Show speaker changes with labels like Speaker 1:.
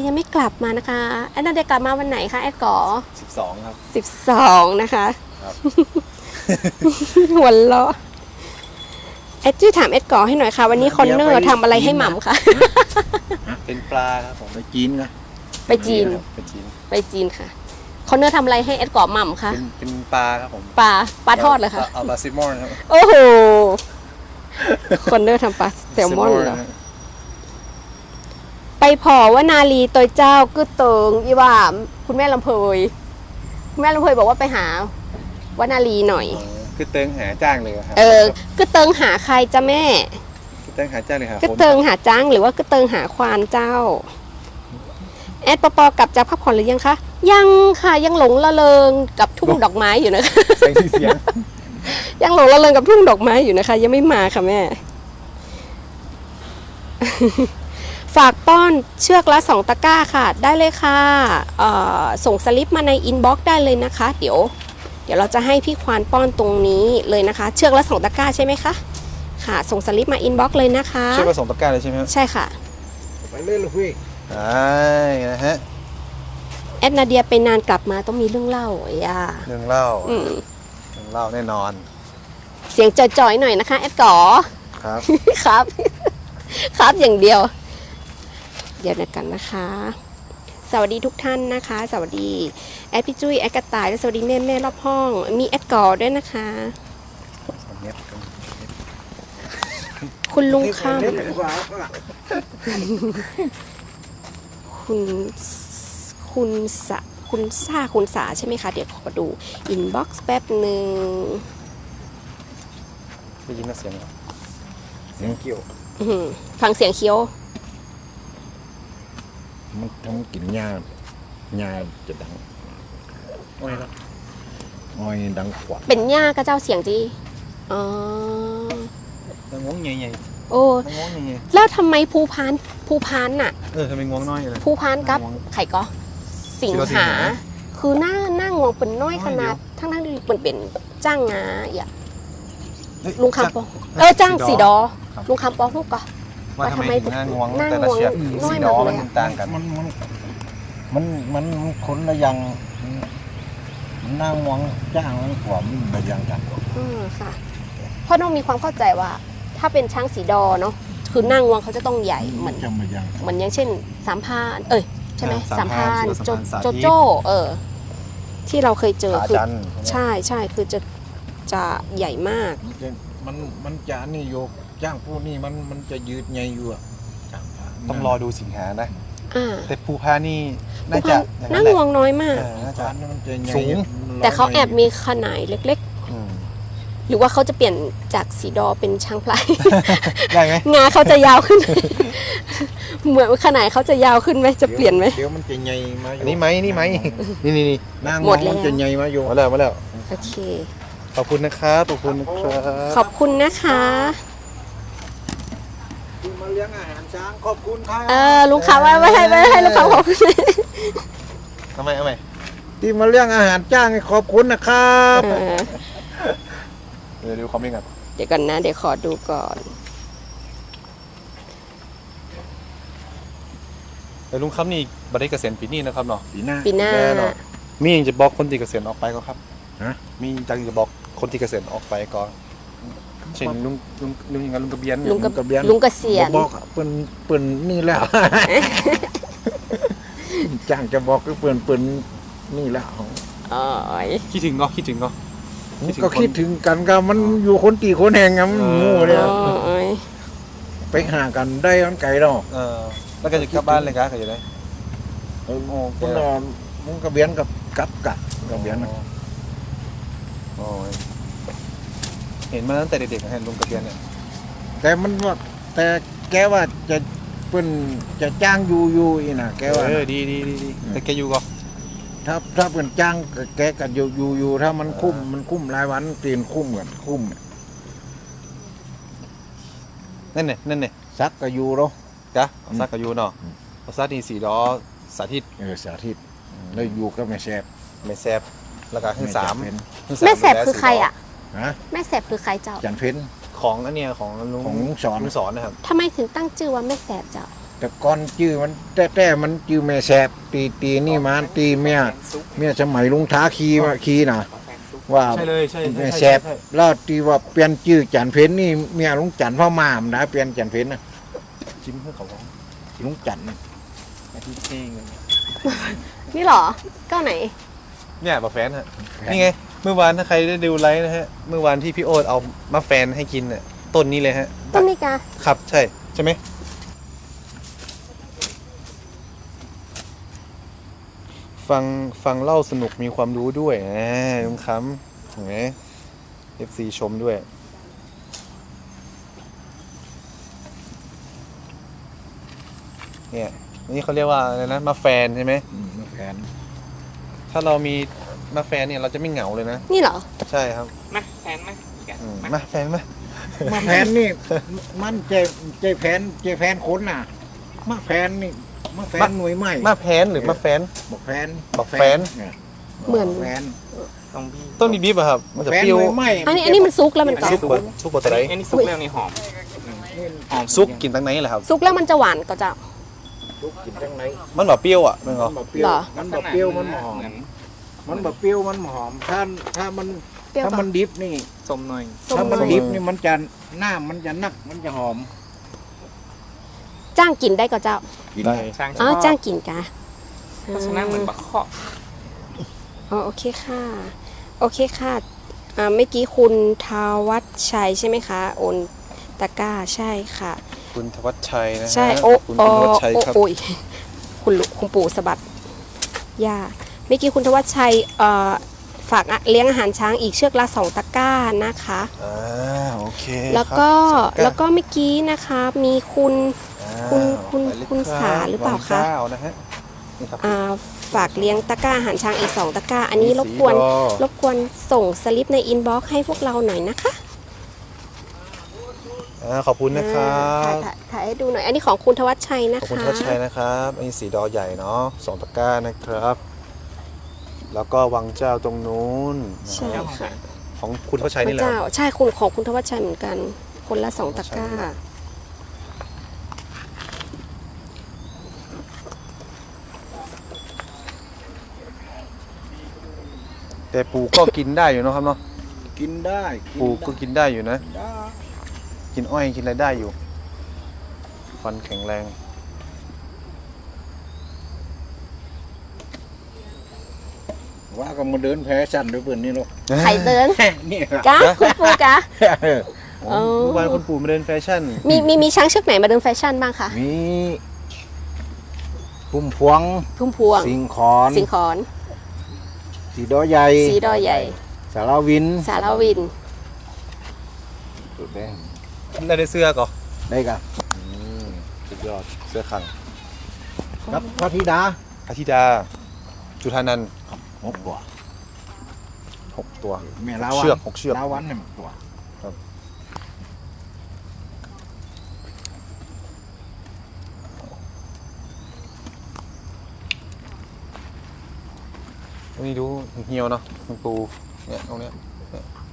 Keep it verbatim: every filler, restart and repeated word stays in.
Speaker 1: ยังไม่กลับมานะคะแอดนาเดียกลับมาวันไหนคะแอดก่อ
Speaker 2: สิบสองครับ
Speaker 1: สิบสองนะคะ
Speaker 2: ครับ
Speaker 1: หัวเราะแอดจี้ถามแอดก่อให้หน่อยค่ะวันนี้คอนเนอร์ทำอะไรให้หม่ำคะ
Speaker 2: เป็นปลาครับผม
Speaker 3: ไปจีนนะ
Speaker 1: ไปจีน
Speaker 2: ไปจีน
Speaker 1: ไปจีนค่ะคอนเนอร์ทำอะไรให้แอดก่อหม่ำคะ
Speaker 2: เป็นเป็นปลาครับผม
Speaker 1: ปลาปลาทอดเลยค่ะ
Speaker 2: เอาปลาแซลมอนครับ
Speaker 1: โอ้โหคอนเนอร์ทำปลาแซลมอนเหรอไปพอว่านาลีตัวเจ้าก็เติงอีว่าคุณแม่ลำเพยคุณแม่ลำเพยบอกว่าไปหาวนาลีหน่อย
Speaker 2: คือเติงหาจ้างเลยครับ
Speaker 1: เออก็เติงหาใครจ้าแม่
Speaker 2: คือเติงหาจ้างเลยครับ
Speaker 1: ก็เติงหาจ้างหรือว่าก็เติงหาควานเจ้าแอดปปกลับจากพักผ่อนหรือยังคะยังค่ะยังหลงละเลงกับทุ่งดอกไม้อยู่นะคะ
Speaker 2: เสียงเสียง
Speaker 1: ยังหลงละเลงกับทุ่งดอกไม้อยู่นะคะยังไม่มาค่ะแม่ฝากป้อนเชือกละสองตะกร้าค่ะได้เลยค่ะส่งสลิปมาในอินบ็อกซ์ได้เลยนะคะเดี๋ยวเดี๋ยวเราจะให้พี่ควานป้อนตรงนี้เลยนะคะเชือกละสองตะกร้าใช่ไหมคะค่ะส่งสลิปมาอินบ็อกซ์เลยนะคะ
Speaker 2: เชือกละสองตะกร้าเลยใช่ไหม
Speaker 1: ใช่ค่ะ
Speaker 3: ไปเล่นเลยพี่
Speaker 2: ใช่นะฮะ
Speaker 1: แอดนาเดียไปนานกลับมาต้องมีเรื่องเล่าอ่ะ
Speaker 2: เรื่องเล่าเรื่องเล่าแน่นอน
Speaker 1: เสียงจ่อยๆหน่อยนะคะแอดก๋อ
Speaker 2: ครับ
Speaker 1: ครับครับอย่างเดียวเดี๋ยวนะกันนะคะสวัสดีทุกท่านนะคะสวัสดีแอดพี่จุ้ยแอดกระต่ายและสวัสดีแม่แม่รอบห้องมีแอดก๋อด้วยนะคะคุณลุงข้ามคุณคุณสะคุณซาคุณสาใช่ไหมคะเดี๋ยวขอดูอินบ็อกซ์แป๊บหนึ่ง
Speaker 2: ได้ยินเสียง
Speaker 3: เสียงเกี่ยว
Speaker 1: ฟังเสียงเคี้ยว
Speaker 3: มันทำกินหญ้าหญ้าจะดัง
Speaker 2: อ้อยครับ
Speaker 3: อ้อยดังขวัญ
Speaker 1: เป็นหญ้าก็เจ้าเสียงจีอ๋อ
Speaker 2: มันงวงใหญ่
Speaker 1: ๆโอ้แล้วทำไมภูพานภูพานน่ะ
Speaker 2: เออทำไมงวงน้อยเลย
Speaker 1: ภูพานกับไข่ก็สิงหาคือหน้าหน้างวงเป็นน้อยขนาดทั้งทั้งที่เป็นเป็นจ้างงาอย่าลุงคำปองเออจ้างสีดอลุงคำปองลูกก็
Speaker 2: ว่าทำไมถึงหน้างวงแต่ละเชือกสีดอมันต่างกัน
Speaker 3: มันมันมันมันคนละอย่างหน้างวงจ้างมันกว่ามันละอย่างกัน
Speaker 1: อืมค่ะเพราะน้องมีความเข้าใจว่าถ้าเป็นช้างสีดอเนาะคือหน้างวงเขาจะต้องใหญ่เหมือนเหมือนอย่างเช่นสามพานเอ้ยใช่ไหมสามพานโจโจโจ้เออที่เราเคยเจอคือใช่ใช่คือจะจะใหญ่มาก
Speaker 3: มันมันจะนี่โยกจ้างพวกนี้มันมันจะยืดใหญ่อยู่อ่ะ
Speaker 2: ต้องรอดูสิงหานะแต่ภูพานี่น่าจะ
Speaker 1: นั่งวงน้อยมาก
Speaker 2: สูง
Speaker 1: แต่เขาแอบมีขนาดเล็กๆหรือว่าเขาจะเปลี่ยนจากสีดอเป็นช้างพลาย
Speaker 2: ได้ไหม
Speaker 1: งาเขาจะยาวขึ้นเหมือนขนาดเขาจะยาวขึ้นไหมจะเปลี่ยนไหม
Speaker 3: เดี๋ยวมันจะใหญ่มา
Speaker 2: อันนี้ไหมนี่ไหมนี่นี่นี่
Speaker 3: นั่งมันจะใหญ่มาอยู่
Speaker 2: มาแล้วมาแล้ว
Speaker 1: โอเค
Speaker 2: ขอบคุณนะครับขอบคุณนะครับ
Speaker 1: ขอบคุณนะคะ
Speaker 3: ที่มาเลี้ยงอาหารช้างขอบคุณครับ
Speaker 1: เออลุงขาว่าไม่ให้ไม่ให้ลุงขาขอบคุณ
Speaker 2: ทำไมทำไม
Speaker 3: ที่มาเลี้ยงอาหารจ้างขอบคุณนะครับ
Speaker 2: เดี๋ยวดูคอมเมนต์กัน
Speaker 1: เดี๋ยวก่อนนะเดี๋ยวขอดูก่อน
Speaker 2: แต่ลุงครับนี่บัตรเกษียณปีนี้นะครับเนาะ
Speaker 3: ปีหน้า
Speaker 1: ปีหน้า
Speaker 2: มีอย่างจะบอกคนที่เกษียณออกไปก็ครับมีจังจะบอกคนที่เกษียณออกไปก่อนเช่นลุงลุงลุงยังไงลุงกระเบียน
Speaker 1: ลุงกระเบียนลุงเกษียณ
Speaker 3: บอกเปิ่นเปิ่นนี่แล้วจ้างจะบอกก็เปิ่นเปิ่นนี่แล้ว
Speaker 1: อ๋อ
Speaker 2: คิดถึงก็คิดถึงก็
Speaker 3: ก็คิดถึงกันก็มันอยู่คนตีคนแห่งกันมันงูเลยไปหากันได้มันไกลหรอก
Speaker 2: เออแล้วก็จะกลับบ้านเลยครับก็จะได้
Speaker 3: โอ้คนนอนมุ้งกระเบียนกับกับกับกระเบียน
Speaker 2: โอ้ยเห็นมาตั้งแต่เด็กๆเห็นลุงกระเบียนเนี่ย
Speaker 3: แต่มันว่าแต่แกว่าจะเปิ้นจะจ้างอยู่อยู่อีน่ะแกว่า
Speaker 2: เออดีดีดีแต่แกอยู่ก็
Speaker 3: ถ้าถ้าเปิ้นจ้างแกก็อยู่อยู่อยู่ถ้ามันคุ้มมันคุ้มรายวันตีนคุ้มเหมือนคุ้ม
Speaker 2: นั่นเนี่ยนั่นเนี่ย
Speaker 3: ซักก็อยู่เนาะ
Speaker 2: จ้ะซักก็อยู่เนาะซักนี่สี่ล้อสาธิต
Speaker 3: เออสาธิตแล้วอยู่ก็ไม่แซ่บ
Speaker 2: ไม่แซ่บแล้วก็ขึ้นสาม
Speaker 1: แม่แสบคือใครอ่ะแม่แสบคือใครเจ้า
Speaker 3: จันเพ็ญ
Speaker 2: ของอันเนี้ยของลุง
Speaker 3: ของสอน
Speaker 2: ลุงสอนนะครับ
Speaker 1: ทำไมถึงตั้งชื่อว่าแม่แสบเจ้า
Speaker 3: แต่ก่อนจื้อมันแต่แต่มันจื้อแม่แสบตีตีนี่มาตีเมียเมียสมัยลุงท้าคีมาคีน่ะว่า
Speaker 2: ใช่เลยใช่
Speaker 3: แม่แสบแล้วตีว่าเปลี่ยนจื้อจันเพ็ญนี่เมียลุงจันทร์พ่อมามนะเปลี่ยนจันเพ็ญนะ
Speaker 2: จิ้มเพื่อเขาของ
Speaker 3: ลุงจันทร์
Speaker 2: ที่เท่ง
Speaker 1: นี่เหรอเก้าไหน
Speaker 2: เนี่ยบะแฟนฮะนี่ไงเมื่อวานถ้าใครได้ดูไลฟ์นะฮะเมื่อวานที่พี่โอ๊ตเอามะแฟนให้กินเนี่ยต้นนี้เลยฮะ
Speaker 1: ต้นนี้กา
Speaker 2: ครับใช่ใช่ไหมฟังฟังเล่าสนุกมีความรู้ด้วยนะลุงคำเห็นไหม เอฟ ซี ชมด้วยเนี่ยนี่เขาเรียกว่าอะไรนะมะแฟนใช่ไหม
Speaker 3: อืมแผน
Speaker 2: ถ้าเรามีมะแฟนเนี่ยเราจะไม่เหงาเลยนะ
Speaker 1: นี่เหรอ
Speaker 2: ใช่ครับ
Speaker 4: มาแฟนมา
Speaker 2: อืมมาแฟนมา
Speaker 3: มาแผนนี่มันใจใจแผนใจแผนคนน่ะมาแผนนี่มาแผนหน่วยใหม่
Speaker 2: มาแพนหรือมาแฟน
Speaker 3: บอกแผน
Speaker 2: บอกแผน
Speaker 3: เนี่ย
Speaker 1: เหมือน
Speaker 3: แผน
Speaker 4: ต้องบี
Speaker 2: ต้นบีบีบอะครับ มันจะ
Speaker 3: แผน
Speaker 2: เปรี้ยว
Speaker 3: หน่วยใหม่
Speaker 1: อันนี้อันนี้มันซุกแล้วมันกรอ
Speaker 2: ซุก
Speaker 1: บ
Speaker 2: บดซุกบดอะไร
Speaker 4: อันนี้ซุปแล้วนี่หอม
Speaker 2: หอมซุกกินตั้งไหนแหละครับ
Speaker 1: ซุกแล้วมันจะหวานก็จะ
Speaker 3: ซุกกินจังไหน
Speaker 2: มันแบบเปรี้ยวอ่ะมันเหร
Speaker 3: มั
Speaker 2: อน
Speaker 3: แบบเปรี้ยว
Speaker 1: เหรอ
Speaker 3: มันแบบเปรี้ยวมันหอม
Speaker 4: เหมือน
Speaker 3: มันแบบเปรี้ยวมันหอมถ้าถ้ามัน
Speaker 1: เปรี้ยว
Speaker 3: ถ้า
Speaker 1: ก่อ
Speaker 3: มัน นดิบนี่
Speaker 4: ส้มหน่อย
Speaker 1: ส้ม
Speaker 3: ถ้ามัน
Speaker 1: ส้ม
Speaker 3: ดิบนี่มันจะหน้ามันจะนักมันจะหอม
Speaker 1: จ้างกินได้ก็เจ้า
Speaker 3: กิน
Speaker 2: ได้
Speaker 4: ช้างช
Speaker 1: อ๋อ
Speaker 4: อบ
Speaker 1: จ้างกินกะ
Speaker 4: เพราะฉะนั้นเหมือนปลาเคาะ
Speaker 1: อ๋อโอเคค่ะ โอเคค่ะอ่าเมื่อกี้คุณทวัชชัยใช่ไหมคะ โอนตะกร้าใช่ค่ะ
Speaker 2: คุณธวัชชัยนะฮะ
Speaker 1: ใช่โอ้
Speaker 2: คุณ
Speaker 1: โอ้
Speaker 2: ธวัชชัย
Speaker 1: โอ้
Speaker 2: ครับ
Speaker 1: โอ้ยคุณลุคุณปู่สะบัดย่าเมื่อกี้คุณทวัชชัยเอ่อฝากอะเลี้ยงอาหารช้างอีกเชือกละสองตะกร้านะคะ
Speaker 2: อ่าโอเค
Speaker 1: แล้วก็
Speaker 2: ครับ
Speaker 1: แล้วก็เมื่อกี้นะคะมีคุณ
Speaker 2: อ่า
Speaker 1: คุณคุณ
Speaker 2: ไปเลย
Speaker 1: คุณ
Speaker 2: รับ
Speaker 1: สาหรือเปล่าคะ
Speaker 2: วังเจ้านะฮะนี่ครับ
Speaker 1: อ่าฝากเลี้ยงตะกร้าอาหารช้างอีกสองตะกร้า อันนี้รบกวน
Speaker 2: สีดอ
Speaker 1: รบกวนส่งสลิปในอินบ็อกซ์ให้พวกเราหน่อยนะคะ
Speaker 2: อ่าขอบคุณนะครับ
Speaker 1: อ่าถ่ายถ่ายถ่ายให้ดูหน่อย อันนี้ของคุณทวัชชัยนะ
Speaker 2: ขอบคุณ
Speaker 1: คะ
Speaker 2: ทวัชชัยนะครับอันนี้สีดอใหญ่เนาะสองตะกร้านะครับ แล้วก็วังเจ้าตรงนู้น
Speaker 1: ใช่ค่ะ
Speaker 2: ของคุณทวัชชัย
Speaker 1: พ
Speaker 2: นี่
Speaker 1: ระ
Speaker 2: แหละ
Speaker 1: เจ้าใช่คุณของคุณทวัชชัยเหมือนกัน คนละสองตะกร้า
Speaker 2: แต่ปูก็กินได้อยู่เนาะครับเนาะ
Speaker 3: กินได้
Speaker 2: ปูก็กินได้อยู่นะ
Speaker 3: ได้
Speaker 2: กินอ้อยกินอะไรได้อยู่ ฟันแข็งแรง
Speaker 3: ว่าก็มาเดินแพ้สั่นด้วยเพื่อนนี่ลูก
Speaker 1: ไข่เดิน
Speaker 3: นี่
Speaker 1: กะคุณปูกะ
Speaker 2: อ๋อเมื่อวานคุณปู่มาเดินแฟชั่น
Speaker 1: มีมีมีช้างเชือกไหนมาเดินแฟชั่นบ้างคะ
Speaker 3: มีพุ่มพวง
Speaker 1: พุ่มพวง
Speaker 3: สิงขอน
Speaker 1: สิงขอน
Speaker 3: สีดอใหญ่
Speaker 1: สีดอใหญ่
Speaker 3: สารวิน
Speaker 1: สารวิน
Speaker 3: ตัวแดง
Speaker 2: ได้ได้เสื้อก่อน
Speaker 3: ได้กัน
Speaker 2: สุดยอดเสื้อขัง
Speaker 3: ครับพระธิดา
Speaker 2: อาทิดา จุธานันท์
Speaker 3: หกตัว
Speaker 2: หกตัว
Speaker 3: แม่ลาวัน
Speaker 2: เชือกหกเชือก
Speaker 3: ลาวันเนี่ยหกตัว
Speaker 2: ตรงนี้ดูเหี่ยวเนาะมันปูเนี่ยตรงเนี้ยเนี่ย